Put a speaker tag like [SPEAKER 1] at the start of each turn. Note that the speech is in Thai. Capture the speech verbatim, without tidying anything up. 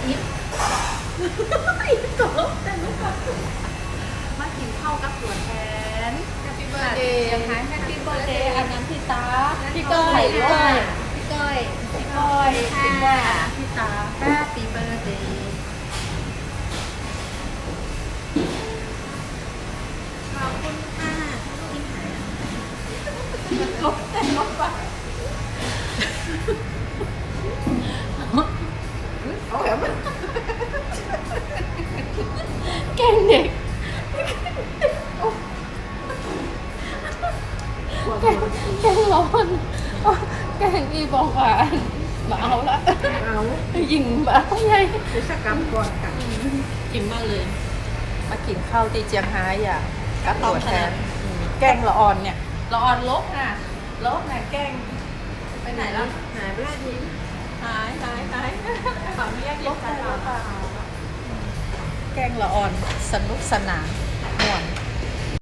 [SPEAKER 1] อิฟอิฟกับลูกแต่ลูกกับมากินข้าวกับตัวแทน
[SPEAKER 2] Happy birthday
[SPEAKER 1] นะคะ Happy birthday อันนั้นพี่ตา
[SPEAKER 2] พี่ก้อยพี่ก้อยพี่ก้อย
[SPEAKER 1] พี่ก้อยพี่ก้อยพี่ตา Happy birthday
[SPEAKER 2] ขอบคุณค่ะกินหาย
[SPEAKER 1] ลบแต่ลบไปเอาแบบแกงเด็กแกงแกงร้อนแกงอีบอกว่ามาเอาละ
[SPEAKER 3] เอา
[SPEAKER 1] ยิงบ้าใหญ่
[SPEAKER 3] กิจกรรมก่อนกัน
[SPEAKER 2] กินมากเลย
[SPEAKER 1] มากินข้าวตีเจียงไฮ้อ่ะกับตัวแทนอืมแกงละออนเนี่ยละออนลบน่ะลบน่ะแกงไปไหนแล้ว
[SPEAKER 3] หายไปแล้วที
[SPEAKER 1] หายหายหายขออนุญาตลบไปหรือเปล่าแกงละออนสนุกสนานม่วน